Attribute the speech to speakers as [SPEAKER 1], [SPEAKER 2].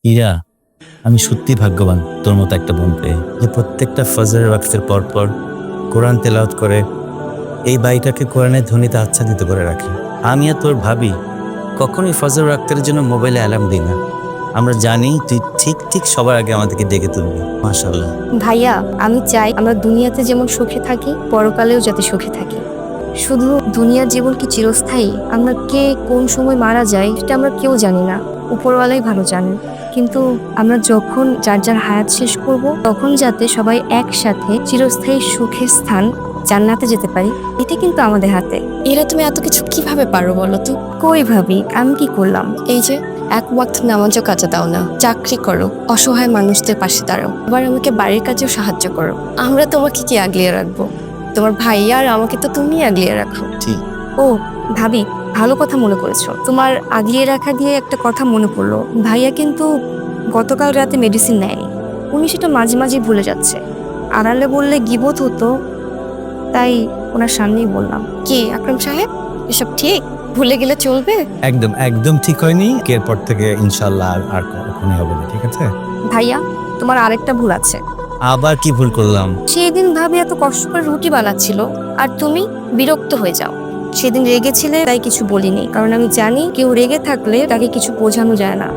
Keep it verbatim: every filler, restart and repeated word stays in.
[SPEAKER 1] ইরা, আমি সত্যি ভাগ্যবান তোর মতো একটা বোন পেয়ে, যে প্রত্যেকটা ফজরের ওয়াক্তের পর পর কোরআন তেলাওয়াত করে এই বাড়িটাকে কোরআনের ধ্বনিতে আচ্ছাদিত করে রাখে। আমি আর তোর ভাবি কখনোই ফজর ওয়াক্তের জন্য মোবাইলে অ্যালার্ম দিই না। আমরা জানি তুই ঠিক ঠিক সবার আগে আমাদেরকে ডেকে তুলবি। মাশাআল্লাহ।
[SPEAKER 2] ভাইয়া, আমি চাই আমরা দুনিয়াতে যেমন সুখে থাকি, পরকালেও যাতে সুখে থাকি। শুধু দুনিয়ার জীবন কি চিরস্থায়ী? আমরা কে কোন সময় মারা যায় সেটা আমরা কেউ জানি না, উপরওয়ালাই ভালো জানেন। কিন্তু আমরা যখন যার যার হায়াত শেষ করব, তখন যাতে সবাই একসাথে চিরস্থায়ী সুখের স্থান জান্নাতে যেতে পারি, এটা কিন্তু আমাদের হাতে।
[SPEAKER 3] এরা তুমি এত কিছু কিভাবে পারো বলো তো?
[SPEAKER 2] কই ভাবি, আমি কি করলাম?
[SPEAKER 3] এই যে এক ওয়াক্ত নামাজও কাজে দাও না, চাকরি করো, অসহায় মানুষদের পাশে দাঁড়াও, আবার আমাকে বাড়ির কাজেও সাহায্য করো। আমরা তোমাকে কি আগলিয়ে রাখবো? তোমার ভাইয়া আর আমাকে তো তুমি আগলিয়ে রাখো।
[SPEAKER 1] ঠিক।
[SPEAKER 2] ও ভাবি, ভালো কথা মনে করেছো। তোমার আগলিয়ে রাখা দিয়ে একটা কথা মনে পড়লো। ভাইয়া কিন্তু গতকাল রাতে মেডিসিন নেয়নি। উনি সেটা মাঝে মাঝে ভুলে যাচ্ছে। আড়ালে বললে গিবত হতো, তাই ওনার সামনেই বললাম।
[SPEAKER 3] কি আকরাম সাহেব, এসব ঠিক? ভুলে গেলে চলবে?
[SPEAKER 1] একদম একদম ঠিক হয়নি। এরপর থেকে ইনশাল্লাহ আর আর কখনোই হবে না, ঠিক আছে?
[SPEAKER 2] ভাইয়া, তোমার আরেকটা ভুল আছে।
[SPEAKER 1] আবার কি ভুল করলাম?
[SPEAKER 2] সেদিন ভাবি এত কষ্ট করে রুটি বানাচ্ছিল আর তুমি বিরক্ত হয়ে যাও। সেদিন রেগেছিলে, তাই কিছু বলিনি, কারণ আমি জানি কেউ রেগে থাকলে তাকে কিছু বোঝানো যায় না।